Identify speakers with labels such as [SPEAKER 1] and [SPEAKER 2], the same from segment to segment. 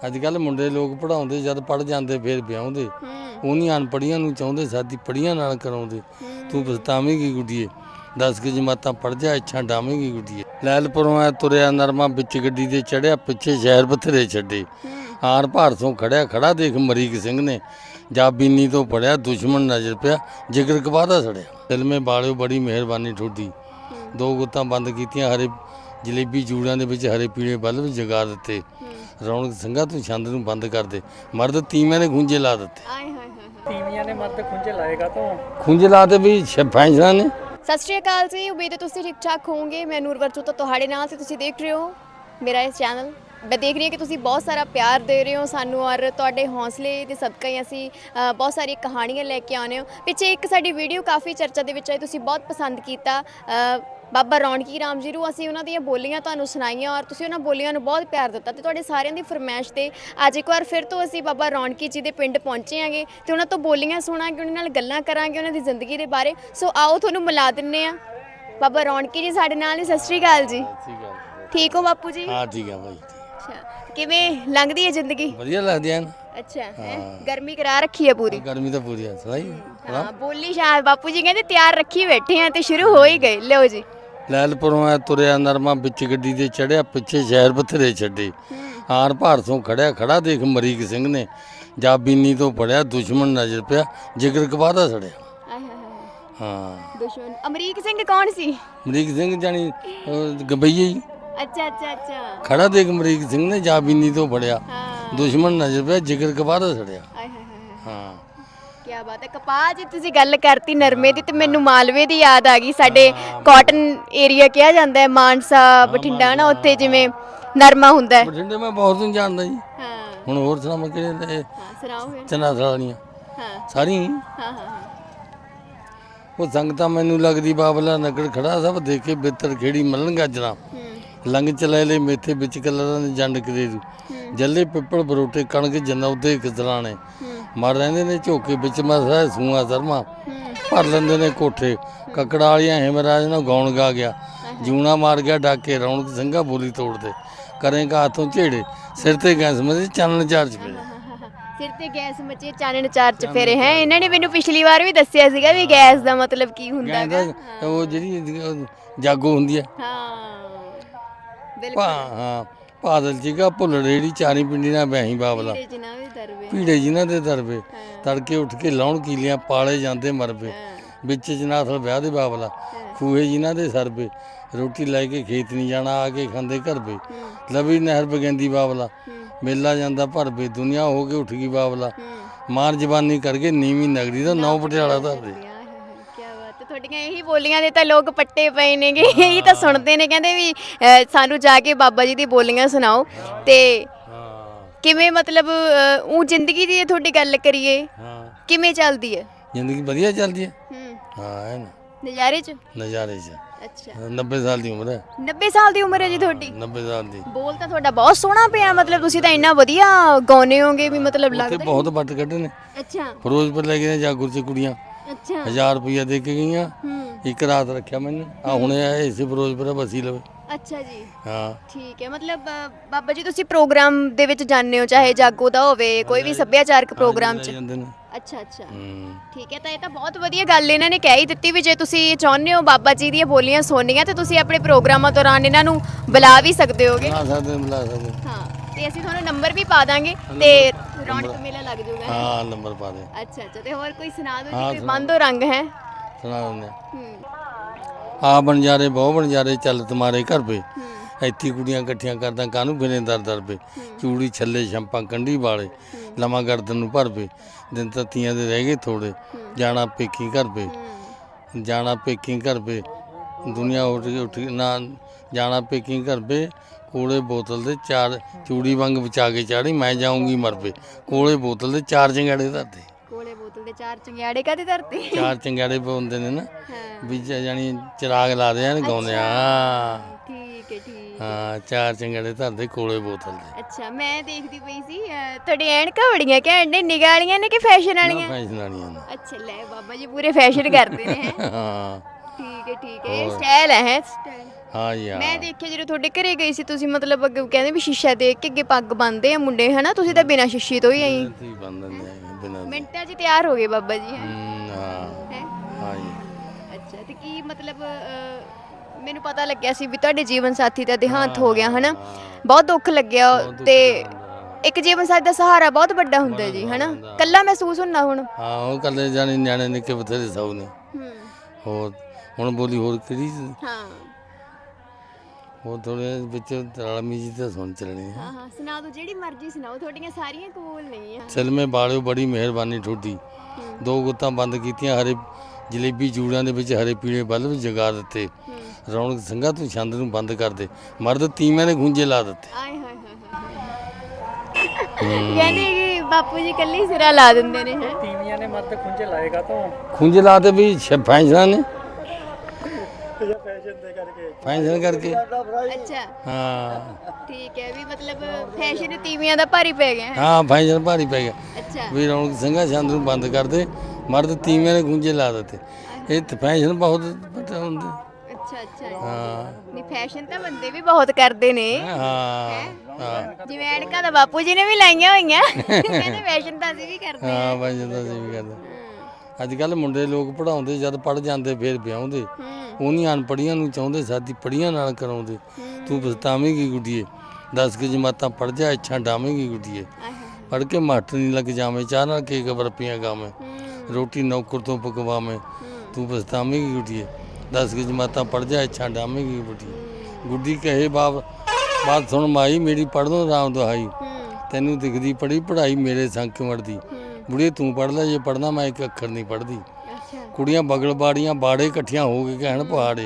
[SPEAKER 1] ਅੱਜ-ਕੱਲ੍ਹ ਮੁੰਡੇ ਲੋਕ ਪੜ੍ਹਾਉਂਦੇ, ਜਦ ਪੜ੍ਹ ਜਾਂਦੇ ਫਿਰ ਵਿਆਹੁੰਦੇ। ਉਹਨੀ ਅਨਪੜ੍ਹੀਆਂ ਨੂੰ ਚਾਹੁੰਦੇ ਸਾਡੀ ਪੜ੍ਹੀਆਂ ਨਾਲ ਕਰਾਉਂਦੇ। ਤੂੰ ਪਛਤਾਵੇਂਗੀ ਗੁੱਡੀਏ, 10 ਕੁ ਜਮਾਤਾਂ ਪੜ੍ਹ ਜਾ, ਇੱਛਾ ਡਾਵੇਂਗੀ ਗੁੱਡੀਏ। ਲੈਲਪੁਰੋਂ ਐ ਤੁਰਿਆ ਨਰਮਾ, ਵਿੱਚ ਗੱਡੀ ਦੇ ਚੜ੍ਹਿਆ, ਪਿੱਛੇ ਸ਼ਹਿਰ ਬਥੇਰੇ ਛੱਡੇ। ਆਰ ਭਾਰਤੋਂ ਖੜਾ ਦੇਖ ਅਮਰੀਕ ਸਿੰਘ ਨੇ, ਜਾ ਬੀਨੀ ਤੋਂ ਪੜਿਆ, ਦੁਸ਼ਮਣ ਨਜ਼ਰ ਪਿਆ, ਜਿਗਰ ਕਬਾਦਾ ਸੜਿਆ। ਦਿਲ ਮੇ ਬਾਲਿਓ ਬੜੀ ਮਿਹਰਬਾਨੀ ਠੋਡੀ। 2 ਗੁੱਤਾਂ ਬੰਦ ਕੀਤੀਆਂ, ਹਰੇ ਜਲੇਬੀ ਜੂੜਿਆਂ ਦੇ ਵਿੱਚ ਹਰੇ ਪੀਲੇ ਬਲਬ ਜਗਾ ਦਿੱਤੇ। ਰੌਣਕ ਸਿੰਘਾ ਤੂੰ ਛੰਦ ਨੂੰ ਬੰਦ ਕਰ ਦੇ, ਮਰਦ ਤੀਵਿਆਂ ਨੇ ਖੂੰਜੇ ਲਾ ਦਿੱਤੇ।
[SPEAKER 2] ਤੀਵੀਆਂ ਨੇ ਮਰਦ ਖੁੰਝੇ ਲਾਏਗਾ ਤੋਂ
[SPEAKER 1] ਖੂੰਜੇ ਲਾ ਤੇ ਵੀ ਫੈਂਸਲਾ ਨੇ।
[SPEAKER 3] ਸਤਿ ਸ਼੍ਰੀ ਅਕਾਲ ਜੀ, ਉਮੀਦ ਹੈ ਤੁਸੀਂ ਠੀਕ ਠਾਕ ਹੋਵੋਗੇ। ਮੈਂ ਨੂਰ ਵਰਚੂ ਤੋਂ ਤੁਹਾਡੇ ਨਾਲ ਤੇ ਤੁਸੀਂ ਦੇਖ ਰਹੇ ਹੋ ਮੇਰਾ ਇਹ ਚੈਨਲ। ਮੈਂ ਦੇਖ ਰਹੀ ਹਾਂ ਕਿ ਤੁਸੀਂ ਬਹੁਤ ਸਾਰਾ ਪਿਆਰ ਦੇ ਰਹੇ ਹੋ ਸਾਨੂੰ, ਔਰ ਤੁਹਾਡੇ ਹੌਸਲੇ ਦੇ ਸਦਕਾ ਹੀ ਅਸੀਂ ਬਹੁਤ ਸਾਰੀ ਕਹਾਣੀਆਂ ਲੈ ਕੇ ਆਉਂਦੇ ਹੋ। ਪਿੱਛੇ ਇੱਕ ਸਾਡੀ ਵੀਡੀਓ ਕਾਫੀ ਚਰਚਾ ਦੇ ਵਿੱਚ ਆਈ, ਤੁਸੀਂ ਬਹੁਤ ਪਸੰਦ ਕੀਤਾ। ਬਾਬਾ ਰੌਣਕੀ ਰਾਮ ਜੀ ਨੂੰ ਅਸੀਂ ਉਹਨਾਂ ਦੀਆਂ ਬੋਲੀਆਂ ਤੁਹਾਨੂੰ ਸੁਣਾਈਆਂ, ਔਰ ਤੁਸੀਂ ਉਹਨਾਂ ਬੋਲੀਆਂ ਨੂੰ ਬਹੁਤ ਪਿਆਰ ਦਿੱਤਾ। ਤੇ ਤੁਹਾਡੇ ਸਾਰਿਆਂ ਦੀ ਫਰਮਾਇਸ਼ ਤੇ ਅੱਜ ਇੱਕ ਵਾਰ ਫਿਰ ਤੋਂ ਅਸੀਂ ਬਾਬਾ ਰੌਣਕੀ ਜੀ ਦੇ ਪਿੰਡ ਪਹੁੰਚੇ ਆਂਗੇ ਤੇ ਉਹਨਾਂ ਤੋਂ ਬੋਲੀਆਂ ਸੁਣਾਂਗੇ, ਉਹਨਾਂ ਨਾਲ ਗੱਲਾਂ ਕਰਾਂਗੇ ਉਹਨਾਂ ਦੀ ਜ਼ਿੰਦਗੀ ਦੇ ਬਾਰੇ। ਸੋ ਆਓ ਤੁਹਾਨੂੰ ਮਿਲਾ ਦਿੰਨੇ ਆ। ਬਾਬਾ ਰੌਣਕੀ ਜੀ ਸਾਡੇ ਨਾਲ ਨੇ। ਸਤਿ ਸ਼੍ਰੀ ਅਕਾਲ ਜੀ। ਠੀਕ ਹੋ ਬਾਪੂ ਜੀ?
[SPEAKER 1] ਹਾਂ ਠੀਕ ਆ ਭਾਈ।
[SPEAKER 3] ਅੱਛਾ, ਕਿਵੇਂ ਲੰਘਦੀ ਹੈ ਜ਼ਿੰਦਗੀ?
[SPEAKER 1] ਵਧੀਆ ਲੱਗਦੀ ਐ।
[SPEAKER 3] ਅੱਛਾ, ਗਰਮੀ ਕਰਾ ਰੱਖੀ ਹੈ ਪੂਰੀ?
[SPEAKER 1] ਗਰਮੀ ਤਾਂ ਪੂਰੀ ਆ ਸਹੀ।
[SPEAKER 3] ਹਾਂ, ਬੋਲੀ ਸ਼ਾਇਦ ਬਾਪੂ ਜੀ ਕਹਿੰਦੇ ਤਿਆਰ ਰੱਖੀ ਬੈਠੇ ਆ ਤੇ ਸ਼ੁਰੂ ਹੋ ਹੀ ਗਏ। ਲਿਓ ਜੀ।
[SPEAKER 1] ਲੈਲਪੁਰੋਂ ਐ ਤੁਰਿਆ ਨਰਮਾ, ਵਿੱਚ ਗੱਡੀ ਦੇ ਚੜ੍ਹਿਆ, ਪਿੱਛੇ ਸ਼ਹਿਰ ਬਥੇਰੇ ਛੱਡੇ। ਆਰ ਭਾਰਤੋਂ ਖੜਾ ਦੇਖ ਅਮਰੀਕ ਸਿੰਘ ਨੇ, ਜਾ ਬੀਨੀ ਤੋਂ ਪੜਿਆ, ਦੁਸ਼ਮਣ ਨਜ਼ਰ ਪਿਆ, ਜਿਗਰ ਕਬਾਦਾ ਸੜਿਆ। ਹਾਂ,
[SPEAKER 3] ਦੁਸ਼ਮਣ ਅਮਰੀਕ ਸਿੰਘ ਕੌਣ ਸੀ?
[SPEAKER 1] ਅਮਰੀਕ ਸਿੰਘ ਜਾਨੀ ਗੰਬਈਏ ਜੀ।
[SPEAKER 3] ਅੱਛਾ ਅੱਛਾ ਅੱਛਾ।
[SPEAKER 1] ਖੜਾ ਦੇਖ ਅਮਰੀਕ ਸਿੰਘ ਨੇ, ਜਾ ਬੀਨੀ ਤੋਂ ਪੜਿਆ, ਦੁਸ਼ਮਣ ਨਜ਼ਰ ਪਿਆ, ਜਿਗਰ ਕਬਾਦਾ ਸੜਿਆ। ਹਾਂ, ਕੀ
[SPEAKER 3] ਬਾਤ ਹੈ। ਕਪਾਹ ਜੀ ਤੁਸੀਂ ਗੱਲ ਕਰਤੀ ਨਰਮੇ ਦੀ, ਤੇ ਮੈਨੂੰ ਮਾਲਵੇ ਦੀ ਯਾਦ ਆ ਗਈ। ਸਾਡੇ ਕਾਟਨ ਏਰੀਆ ਕਿਹਾ ਜਾਂਦਾ ਹੈ, ਮਾਨਸਾ ਬਠਿੰਡਾ ਨਾ, ਉੱਥੇ ਜਿਵੇਂ ਨਰਮਾ ਹੁੰਦਾ ਹੈ।
[SPEAKER 1] ਬਠਿੰਡੇ ਮੈਂ ਬਹੁਤ ਨੂੰ ਜਾਣਦਾ ਜੀ।
[SPEAKER 3] ਹਾਂ,
[SPEAKER 1] ਹੁਣ ਹੋਰ ਸੁਣਾਵਾਂ ਕਿਹੜੇ?
[SPEAKER 3] ਸੁਣਾਓ ਫਿਰ।
[SPEAKER 1] ਚਨਾ ਸਾਲੀਆਂ ਸਾਰੀਆਂ।
[SPEAKER 3] ਹਾਂ ਹਾਂ।
[SPEAKER 1] ਉਹ ਸੰਗਤਾਂ ਮੈਨੂੰ ਲੱਗਦੀ ਬਾਬਲਾ ਨਗਰ ਖੜਾ, ਸਭ ਦੇਖੇ ਬਿੱਤਰ ਖੇੜੀ ਮਲਣ ਗਾਜਣਾ। ਲੰਗ ਚਲੇ ਲੈ ਮੇਥੇ ਵਿੱਚ ਕਲਰਾਂ ਦੇ ਜੰਡ ਕਰੇ, ਜੱਲੇ ਪਿੱਪਲ ਬਰੋਟੇ ਕਣਕ ਜਨੌਦੇ ਕਿਸਰਾਣੇ। ਮਰ ਰਹਿੰਦੇ ਨੇ ਝੋਕੇ ਵਿੱਚ ਮਸਾ ਸੂਆ ਸਰਮਾ, ਭਰ ਲੈਂਦੇ ਨੇ ਕੋਠੇ ਕੱਕੜਾ ਵਾਲੀਆਂ। ਹਿਮਰਾਜ ਨੂੰ ਗਾਉਣ ਗਾ ਗਿਆ, ਜੂਣਾ ਮਾਰ ਗਿਆ ਡਾਕੇ, ਰੌਣਕ ਸਿੰਘਾ ਬੋਲੀ ਤੋੜਦੇ। ਕਰੇਗਾ ਹੱਥੋਂ ਝੇੜੇ, ਸਿਰ ਤੇ ਗੈਸ ਮਚੇ, ਚਾਨਣ ਚਾਰ ਚਫੇਰੇ।
[SPEAKER 3] ਸਿਰ ਤੇ ਗੈਸ ਮਚੇ, ਚਾਨਣ ਚਾਰ ਚਫੇਰੇ। ਹੈ ਇਹਨਾਂ ਨੇ ਮੈਨੂੰ ਪਿਛਲੀ ਵਾਰ ਵੀ ਦੱਸਿਆ ਸੀਗਾ ਵੀ ਗੈਸ ਦਾ ਮਤਲਬ ਕੀ ਹੁੰਦਾ ਹੈ।
[SPEAKER 1] ਉਹ ਜਿਹੜੀ ਜਾਗੋ ਹੁੰਦੀ ਹੈ।
[SPEAKER 3] ਹਾਂ ਬਿਲਕੁਲ।
[SPEAKER 1] ਹਾਂ, ਬਾਦਲ ਜੀਗਾ ਭੁੱਲੜ ਜਿਹੜੀ ਚਾਰੀ ਪਿੰਡੀ ਨਾਲ ਵਿਆਹੀ ਬਾਬਲਾ, ਭੀੜੇ ਜਿਨ੍ਹਾਂ ਦੇ ਦਰਵੇ, ਤੜਕੇ ਉੱਠ ਕੇ ਲਾਉਣ ਕੀਲੀਆਂ, ਪਾਲੇ ਜਾਂਦੇ ਮਰਬੇ, ਵਿੱਚ ਜਨਾਥਲ ਵਿਆਹ ਦੇ ਬਾਬਲਾ, ਖੂਹੇ ਜਿਨ੍ਹਾਂ ਦੇ ਸਰਬੇ, ਰੋਟੀ ਲੈ ਕੇ ਖੇਤ ਨਹੀਂ ਜਾਣਾ, ਆ ਕੇ ਖਾਂਦੇ ਘਰਬੇ, ਲਵੀ ਨਹਿਰ ਬਗੈਂਦੀ ਬਾਬਲਾ, ਮੇਲਾ ਜਾਂਦਾ ਭਰਬੇ, ਦੁਨੀਆ ਹੋ ਕੇ ਉੱਠ ਗਈ ਬਾਬਲਾ, ਮਾਰ ਜਵਾਨੀ ਕਰਕੇ ਨੀਵੀਂ ਨਗਰੀ ਦਾ ਨੌ ਪਟਿਆਲਾ ਧਰਦੇ।
[SPEAKER 3] ਤੁਹਾਡੀਆਂ ਇਹੀ ਬੋਲੀਆਂ ਦੇ ਤਾਂ ਲੋਕ ਪੱਟੇ ਪਏ ਨੇਗੇ, ਇਹੀ ਤਾਂ ਸੁਣਦੇ ਨੇ, ਕਹਿੰਦੇ ਵੀ ਸਾਨੂੰ ਜਾ ਕੇ ਬਾਬਾ ਜੀ ਦੀ ਬੋਲੀਆਂ ਸੁਣਾਓ। ਤੇ ਕਿਵੇਂ ਮਤਲਬ ਉਹ ਜ਼ਿੰਦਗੀ ਦੀ ਤੁਹਾਡੀ ਗੱਲ ਕਰੀਏ, ਕਿਵੇਂ ਚੱਲਦੀ ਹੈ
[SPEAKER 1] ਜ਼ਿੰਦਗੀ? ਵਧੀਆ ਚੱਲਦੀ ਹੈ। ਹਾਂ,
[SPEAKER 3] ਨਜ਼ਾਰੇ 'ਚ।
[SPEAKER 1] ਨਜ਼ਾਰੇ 'ਚ।
[SPEAKER 3] ਅੱਛਾ,
[SPEAKER 1] 90 ਸਾਲ ਦੀ ਉਮਰ ਹੈ।
[SPEAKER 3] 90 ਸਾਲ ਦੀ ਉਮਰ ਹੈ ਜੀ ਤੁਹਾਡੀ?
[SPEAKER 1] 90 ਸਾਲ ਦੀ।
[SPEAKER 3] ਬੋਲ ਤਾਂ ਤੁਹਾਡਾ ਬਹੁਤ ਸੋਹਣਾ ਪਿਆ, ਮਤਲਬ ਤੁਸੀਂ ਤਾਂ ਇੰਨਾ ਵਧੀਆ ਗਾਉਂਦੇ ਹੋਗੇ ਵੀ, ਮਤਲਬ ਲੱਗਦਾ
[SPEAKER 1] ਬਹੁਤ ਵੱਟ ਕੱਢੇ ਨੇ।
[SPEAKER 3] ਅੱਛਾ,
[SPEAKER 1] ਫਿਰੋਜ਼ਪੁਰ ਲੈ ਗਏ ਜਾਗੁਰ 'ਚ ਕੁੜੀਆਂ।
[SPEAKER 3] ਅੱਛਾ,
[SPEAKER 1] 1000 ਰੁਪਇਆ ਦੇ ਕੇ ਗਈਆਂ, ਇੱਕ ਰਾਤ ਰੱਖਿਆ ਮੈਨੂੰ। ਆ ਹੁਣੇ ਆਏ ਸੀ ਫਿਰੋਜ਼ਪੁਰ ਬਸੀ ਲਵੇ।
[SPEAKER 3] ਅੱਛਾ ਜੀ।
[SPEAKER 1] ਹਾਂ
[SPEAKER 3] ਠੀਕ ਹੈ। ਮਤਲਬ ਬਾਬਾ ਜੀ ਤੁਸੀਂ ਪ੍ਰੋਗਰਾਮ ਦੇ ਵਿੱਚ ਜਾਂਦੇ ਹੋ, ਚਾਹੇ ਜਾਗੋ ਦਾ ਹੋਵੇ, ਕੋਈ ਵੀ ਸੱਭਿਆਚਾਰਕ ਪ੍ਰੋਗਰਾਮ 'ਚ? ਅੱਛਾ ਅੱਛਾ, ਠੀਕ ਹੈ। ਤਾਂ ਇਹ ਤਾਂ ਬਹੁਤ ਵਧੀਆ ਗੱਲ ਇਹਨਾਂ ਨੇ ਕਹਿ ਹੀ ਦਿੱਤੀ ਵੀ ਜੇ ਤੁਸੀਂ ਚਾਹੁੰਦੇ ਹੋ ਬਾਬਾ ਜੀ ਦੀਆਂ ਬੋਲੀਆਂ ਸੁਣਨੀਆਂ ਤੇ ਤੁਸੀਂ ਆਪਣੇ ਪ੍ਰੋਗਰਾਮਾਂ ਦੌਰਾਨ ਇਹਨਾਂ ਨੂੰ ਬੁਲਾ ਵੀ ਸਕਦੇ ਹੋਗੇ।
[SPEAKER 1] ਬੁਲਾ ਸਕਦੇ।
[SPEAKER 3] ਹਾਂ, ਤੇ ਅਸੀਂ ਤੁਹਾਨੂੰ ਨੰਬਰ ਵੀ ਪਾ ਦਾਂਗੇ ਤੇ ਰੌਣਕ ਮੇਲਾ ਲੱਗ ਜਾਊਗਾ।
[SPEAKER 1] ਹਾਂ, ਨੰਬਰ ਪਾ ਦੇ।
[SPEAKER 3] ਅੱਛਾ ਅੱਛਾ। ਤੇ ਹੋਰ ਕੋਈ ਸੁਣਾ ਦਿਓ ਜੀ, ਕੋਈ ਬੰਦੋ ਰੰਗ ਹੈ?
[SPEAKER 1] ਸੁਣਾ ਦਿੰਦੇ ਆ। ਬਣਜਾਰੇ ਬਹੁ ਬਣਜਾਰੇ ਚੱਲ ਤੁਮਾਰੇ ਘਰ ਪੇ, ਇੱਥੇ ਕੁੜੀਆਂ ਇਕੱਠੀਆਂ ਕਰਦਾ ਕਾਹਨੂੰ ਫਿਰੇ ਦਰ ਪੇ, ਚੂੜੀ ਛੱਲੇ ਛੰਪਾਂ ਕੰਢੀ ਵਾਲੇ, ਲਵਾਂ ਗਰਦਨ ਨੂੰ ਭਰ ਪੇ, ਦਿਨ ਤੱਤੀਆਂ ਦੇ ਰਹਿ ਗਏ ਥੋੜੇ, ਜਾਣਾ ਪੇਕੀ ਘਰ ਪੇ, ਜਾਣਾ ਪੇਕੀ ਘਰ ਪੇ, ਦੁਨੀਆ ਉੱਠ ਨਾ ਜਾਣਾ ਪੇਕੀ ਘਰ ਪੇ, ਕੋਲੇ ਬੋਤਲ ਦੇ 4 ਚੂੜੀ ਵਾਂਗ ਵਿਚਾ ਕੇ ਚਾੜੀ, ਮੈਂ ਜਾਊਂਗੀ ਮਰ ਪੇ, ਕੋਲੇ ਬੋਤਲ ਦੇ 4 ਚੰਗਿਆੜੇ ਧਰਦੇ।
[SPEAKER 3] ਕੋਲੇ ਬੋਤਲ ਦੇ 4 ਚੰਗਿਆੜੇ ਕਾਹਦੇ ਧਰਤੇ?
[SPEAKER 1] 4 ਚੰਗਿਆੜੇ ਪਾਉਂਦੇ ਨੇ ਨਾ, ਵੀ ਜਾਨੀ ਚਿਰਾਗ ਲਾਦੇ ਆ, ਗਾਉਂਦੇ ਆ।
[SPEAKER 3] ਠੀਕ ਹੈ ਠੀਕ।
[SPEAKER 1] ਹਾਂ, 4 ਚੰਗਿਆੜੇ ਧਰਦੇ ਕੋਲੇ ਬੋਤਲ ਦੇ।
[SPEAKER 3] ਅੱਛਾ, ਮੈਂ ਦੇਖਦੀ ਪਈ ਸੀ ਤੁਹਾਡੀ ਐਨਕਾਂ ਬੜੀਆਂ ਘੈਂਟ ਨੇ, ਨਿਗਾਹ ਵਾਲੀਆਂ ਨੇ ਕਿ ਫੈਸ਼ਨ ਵਾਲੀਆਂ?
[SPEAKER 1] ਫੈਸ਼ਨ ਵਾਲੀਆਂ ਨੇ।
[SPEAKER 3] ਅੱਛਾ, ਲੈ ਬਾਬਾ ਜੀ ਪੂਰੇ ਫੈਸ਼ਨ ਕਰਦੇ ਨੇ।
[SPEAKER 1] ਹਾਂ
[SPEAKER 3] ਠੀਕ ਹੈ ਠੀਕ ਹੈ। ਇਹ ਸਟਾਈਲ ਹੈ।
[SPEAKER 1] ਹਾਂ ਜੀ ਹਾਂ
[SPEAKER 3] ਮੈਂ ਦੇਖਿਆ ਜਦੋਂ ਤੁਹਾਡੇ ਘਰੇ ਗਈ ਸੀ ਤੁਸੀਂ ਮਤਲਬ ਅੱਗੇ ਕਹਿੰਦੇ ਵੀ ਸ਼ੀਸ਼ਾ ਦੇਖ ਕੇ ਅੱਗੇ ਪੱਗ ਬੰਨਦੇ ਆ ਮੁੰਡੇ ਹਨਾ, ਤੁਸੀਂ ਤਾਂ ਬਿਨਾਂ ਸ਼ੀਸ਼ੇ ਤੋਂ ਹੀ ਆਈ
[SPEAKER 1] ਤੁਸੀਂ ਬੰਨ ਦਿੰਦੇ ਆ ਬਿਨਾਂ
[SPEAKER 3] ਮਿੰਟਾਂ 'ਚ ਤਿਆਰ ਹੋ ਗਏ ਬਾਬਾ ਜੀ ਹੈ
[SPEAKER 1] ਹਾਂ
[SPEAKER 3] ਹੈ
[SPEAKER 1] ਹਾਂ ਜੀ
[SPEAKER 3] ਅੱਛਾ ਤੇ ਕੀ ਮਤਲਬ ਮੈਨੂੰ ਪਤਾ ਲੱਗਿਆ ਸੀ ਵੀ ਤੁਹਾਡੇ ਜੀਵਨ ਸਾਥੀ ਦਾ ਦੇਹਾਂਤ ਹੋ ਗਿਆ ਹਨਾ, ਬਹੁਤ ਦੁੱਖ ਲੱਗਿਆ ਤੇ ਇੱਕ ਜੀਵਨ ਸਾਥੀ ਦਾ ਸਹਾਰਾ ਬਹੁਤ ਵੱਡਾ ਹੁੰਦਾ ਜੀ ਹਨਾ, ਕੱਲਾ ਮਹਿਸੂਸ ਹੁੰਦਾ ਹੁਣ।
[SPEAKER 1] ਹਾਂ ਉਹ ਕੱਲੇ ਜਾਣੇ ਨਿਆਣੇ ਨਿੱਕੇ ਬਥੇਰੇ ਸਭ ਨੇ ਹੋਰ ਹੁਣ ਬੋਲੀ ਹੋਰ ਕਿਹੜੀ
[SPEAKER 3] ਹਾਂ
[SPEAKER 1] ਉਹ ਥੋੜੇ ਵਿੱਚ ਰਲਮੀ ਜੀ ਤਾਂ ਸੁਣ ਚੱਲਣੀ ਹੈ।
[SPEAKER 3] ਹਾਂ ਹਾਂ ਸੁਣਾ ਦਿਓ ਜਿਹੜੀ ਮਰਜ਼ੀ ਸੁਣਾਓ, ਤੁਹਾਡੀਆਂ ਸਾਰੀਆਂ ਕਬੂਲ ਨਹੀਂ ਆ।
[SPEAKER 1] ਸਿਲਮੇ ਬਾਲਿਓ ਬੜੀ ਮਿਹਰਬਾਨੀ ਤੁਹਾਡੀ, ਦੋ ਗੁੱਤਾਂ ਬੰਦ ਕੀਤੀਆਂ, ਹਰੇ ਜਲੇਬੀ ਜੂੜਾਂ ਦੇ ਵਿੱਚ ਹਰੇ ਪੀਲੇ ਬਲਬ ਜਗਾ ਦਿੱਤੇ, ਰੌਣਕ ਸਿੰਘਾ ਤੂੰ ਛੰਦ ਨੂੰ ਬੰਦ ਕਰ ਦੇ, ਮਰਦ ਤੀਵਿਆਂ ਨੇ ਖੁੰਝੇ ਲਾ ਦਿੱਤੇ।
[SPEAKER 3] ਆਏ ਹਾਏ ਕਹਿੰਦੇ ਕਿ ਬਾਪੂ ਜੀ ਕੱਲੀ ਸਿਰਾ ਲਾ ਦਿੰਦੇ ਨੇ ਹੈ।
[SPEAKER 2] ਤੀਵੀਆਂ ਨੇ ਮਰਦ ਖੁੰਝੇ ਲਾਏਗਾ ਤੋਂ
[SPEAKER 1] ਖੁੰਝੇ ਲਾਤੇ ਵੀ ਫੈਸ਼ਨਾਂ ਨੇ
[SPEAKER 2] ਫੈਸ਼ਨ ਦੇ ਕਰਕੇ
[SPEAKER 1] ਫੈਸ਼ਨ ਕਰਕੇ
[SPEAKER 3] ਅੱਛਾ
[SPEAKER 1] ਹਾਂ
[SPEAKER 3] ਠੀਕ ਹੈ ਵੀ ਮਤਲਬ ਫੈਸ਼ਨ ਤੀਵੀਆਂ ਦਾ ਭਾਰੀ ਪੈ ਗਿਆ ਹੈ।
[SPEAKER 1] ਹਾਂ ਫੈਸ਼ਨ ਭਾਰੀ ਪੈ ਗਿਆ
[SPEAKER 3] ਅੱਛਾ
[SPEAKER 1] ਵੀ ਰੌਣਕ ਸਿੰਘਾ ਛੰਦ ਨੂੰ ਬੰਦ ਕਰ ਦੇ, ਮਰਦ ਤੀਵਿਆਂ ਨੇ ਖੁੰਝੇ ਲਾ ਦਿੱਤੇ। ਇਹ ਤਾਂ ਫੈਸ਼ਨ ਬਹੁਤ ਵੱਡੇ ਹੁੰਦੇ।
[SPEAKER 3] ਅੱਛਾ ਅੱਛਾ
[SPEAKER 1] ਹਾਂ
[SPEAKER 3] ਨਹੀਂ ਫੈਸ਼ਨ ਤਾਂ ਬੰਦੇ ਵੀ ਬਹੁਤ ਕਰਦੇ ਨੇ,
[SPEAKER 1] ਹਾਂ ਹਾਂ
[SPEAKER 3] ਜਿਵੇਂ ਐਨਕਾਂ ਤਾਂ ਬਾਪੂ ਜੀ ਨੇ ਵੀ ਲਾਈਆਂ ਹੋਈਆਂ ਕਹਿੰਦੇ ਫੈਸ਼ਨ ਤਾਂ ਅਸੀਂ ਵੀ ਕਰਦੇ ਹਾਂ।
[SPEAKER 1] ਹਾਂ ਫੈਸ਼ਨ ਤਾਂ ਅਸੀਂ ਵੀ ਕਰਦੇ। ਅੱਜ ਕੱਲ ਮੁੰਡੇ ਲੋਕ ਪੜਾਉਂਦੇ, ਜਦ ਪੜ ਜਾਂਦੇ ਫਿਰ ਵਿਆਹੁੰਦੇ, ਉਹ ਨਹੀਂ ਅਨਪੜੀਆਂ ਨੂੰ ਚਾਹੁੰਦੇ ਸਾਡੀ ਪੜੀਆਂ ਨਾਲ ਕਰਾਉਂਦੇ। ਤੂੰ ਪਛਤਾਵੇਂਗੀ ਗੁੱਡੀਏ, 10 ਕੁ ਜਮਾਤਾਂ ਪੜ ਜਾ, ਇੱਛਾ ਡਾਵੇਂਗੀ ਗੁੱਡੀਏ, ਪੜ ਕੇ ਮਾਸਟਰ ਨਹੀਂ ਲੱਗ ਜਾਵੇਂ, ਚਾਹ ਨਾਲ ਕੇਕ ਬਰਫੀਆਂ ਗਾਵੇਂ, ਰੋਟੀ ਨੌਕਰ ਤੋਂ ਪਕਵਾਵੇਂ, ਤੂੰ ਪਛਤਾਵੇਂਗੀ ਗੁੱਡੀਏ, 10 ਕੁ ਜਮਾਤਾਂ ਪੜ ਜਾ, ਇੱਛਾ ਡਾਵੇਂਗੀ ਗੁੱਡੀਏ। ਗੁੱਡੀ ਕਹੇ ਬਾਤ ਸੁਣ ਮਾਈ ਮੇਰੀ ਪੜ੍ਹਨੋਂ ਰਾਮ ਦੁਹਾਈ, ਤੈਨੂੰ ਦਿਖਦੀ ਪੜੀ ਪੜ੍ਹਾਈ ਮੇਰੇ ਸੰਗ ਕਿਉਂ ਅੜਦੀ, ਬੁੜੀਏ ਤੂੰ ਪੜ੍ਹ ਲੈ ਜੇ ਪੜ੍ਹਨਾ, ਮੈਂ ਇੱਕ ਅੱਖਰ ਨਹੀਂ ਪੜ੍ਹਦੀ। ਕੁੜੀਆਂ ਬਗਲ ਬਾੜੀਆਂ ਬਾੜੇ ਇਕੱਠੀਆਂ ਹੋ ਕੇ ਕਹਿਣ ਪਹਾੜੇ,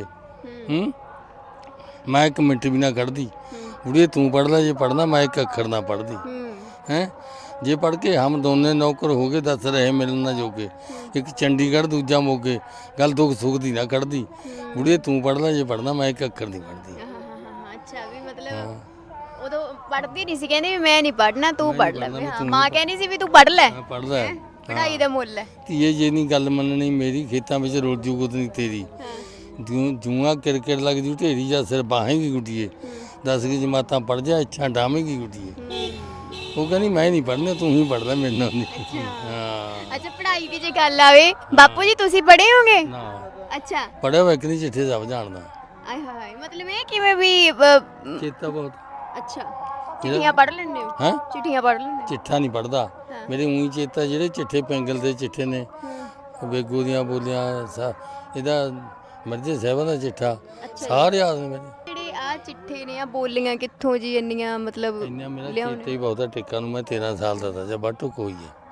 [SPEAKER 1] ਮੈਂ ਇੱਕ ਮਿੰਟ ਵੀ ਨਾ ਕੱਢਦੀ, ਬੁੜੀਏ ਤੂੰ ਪੜ੍ਹ ਲੈ ਜੇ ਪੜ੍ਹਨਾ, ਮੈਂ ਇੱਕ ਅੱਖਰ ਨਾ ਪੜ੍ਹਦੀ। ਹੈ ਜੇ ਪੜ੍ਹ ਕੇ ਹਮ ਦੋਨੇ ਨੌਕਰ ਹੋ ਗਏ, ਦੱਸ ਰਹੇ ਮਿਲਣ ਨਾ ਜੋਗੇ, ਇੱਕ ਚੰਡੀਗੜ੍ਹ ਦੂਜਾ ਮੋਗੇ, ਗੱਲ ਦੁੱਖ ਸੁੱਖ ਦੀ ਨਾ ਕੱਢਦੀ, ਬੁੜੀਏ ਤੂੰ ਪੜ੍ਹ ਲੈ ਜੇ ਪੜ੍ਹਨਾ, ਮੈਂ ਇੱਕ ਅੱਖਰ ਨਹੀਂ ਪੜ੍ਹਦੀ।
[SPEAKER 3] ਅੱਛਾ ਵੀ ਮਤਲਬ ਉਦੋਂ ਪੜ੍ਹਦੀ ਨਹੀਂ ਸੀ, ਕਹਿੰਦੀ ਵੀ ਮੈਂ ਨਹੀਂ ਪੜ੍ਹਨਾ ਤੂੰ ਪੜ੍ਹ ਲੈ, ਮਾਂ ਕਹਿੰਦੀ ਸੀ ਵੀ ਤੂੰ ਪੜ੍ਹ ਲੈ,
[SPEAKER 1] ਪੜ੍ਹ ਲੈ
[SPEAKER 3] ਪੜ੍ਹਾਈ ਦਾ ਮੁੱਲ ਹੈ।
[SPEAKER 1] ਧੀਏ ਜੇ ਨਹੀਂ ਗੱਲ ਮੰਨਣੀ ਮੇਰੀ, ਖੇਤਾਂ ਵਿੱਚ ਰੁਲ ਜੂ ਗੁੱਤ ਨਹੀਂ ਤੇਰੀ, ਜੂਆਂ ਕਿਰਕਿਰ ਲੱਗ ਜੂ ਢੇਰੀ, ਜਾਂ ਸਿਰ ਬਾਹੇਂਗੀ ਗੁੱਡੀਏ, 10 ਕੁ ਜਮਾਤਾਂ ਪੜ ਜਾ, ਇੱਛਾ ਡਾਵੇਂਗੀ ਗੁੱਡੀਏ। ਉਹ ਕਹਿੰਦੀ ਮੈਂ ਨਹੀਂ ਪੜ੍ਹਨਾ, ਤੂੰ ਹੀ ਪੜ੍ਹ ਲੈ ਮੇਰੇ ਨਾਲ ਨਹੀਂ। ਹਾਂ
[SPEAKER 3] ਅੱਛਾ ਪੜ੍ਹਾਈ ਦੀ ਜੇ ਗੱਲ ਆਵੇ, ਬਾਪੂ ਜੀ ਤੁਸੀਂ ਪੜ੍ਹੇ ਹੋਗੇ?
[SPEAKER 1] ਨਾ
[SPEAKER 3] ਅੱਛਾ
[SPEAKER 1] ਪੜ੍ਹਿਆ ਹੋਇਆ ਕਿ ਨਹੀਂ, ਚਿੱਠੇ ਸਭ ਜਾਣਦਾ।
[SPEAKER 3] ਆਏ ਹਾਏ ਮਤਲਬ ਇਹ ਕਿਵੇਂ ਵੀ
[SPEAKER 1] ਚੇਤਾ ਬਹੁਤ।
[SPEAKER 3] ਅੱਛਾ ਚਿੱਠੀਆਂ ਪੜ੍ਹ ਲੈਂਦੇ ਹੋ?
[SPEAKER 1] ਹੈਂ
[SPEAKER 3] ਚਿੱਠੀਆਂ ਪੜ੍ਹ ਲੈਂਦੇ ਹੋ?
[SPEAKER 1] ਚਿੱਠਾ ਨਹੀਂ ਪੜ੍ਹਦਾ ਮੇਰੇ, ਉਹੀ ਚੇਤਾ ਜਿਹੜੇ ਚਿੱਠੇ ਪੈਂਗਲ ਦੇ ਚਿੱਠੇ ਨੇ, ਬੇਗੂ ਦੀਆਂ ਬੋਲੀਆਂ, ਇਹਦਾ ਮਿਰਜ਼ੇ ਸਾਹਿਬਾਂ ਦਾ ਚਿੱਠਾ, ਸਾਰੇ ਯਾਦ ਨੇ ਮੇਰੇ।
[SPEAKER 3] ਜਿਹੜੇ ਆ ਚਿੱਠੇ ਨੇ ਆ ਬੋਲੀਆਂ ਕਿੱਥੋਂ ਜੀ ਇੰਨੀਆਂ ਮਤਲਬ
[SPEAKER 1] ਇੰਨਾ ਮੇਰਾ ਚੇਤਾ ਹੀ ਬਹੁਤ ਆ, ਟਿੱਕਾ ਨੂੰ ਮੈਂ 13 ਸਾਲ ਦਾ ਤਾਂ ਜਾਂ ਬਾਟੋ ਕੋਈ ਹੈ।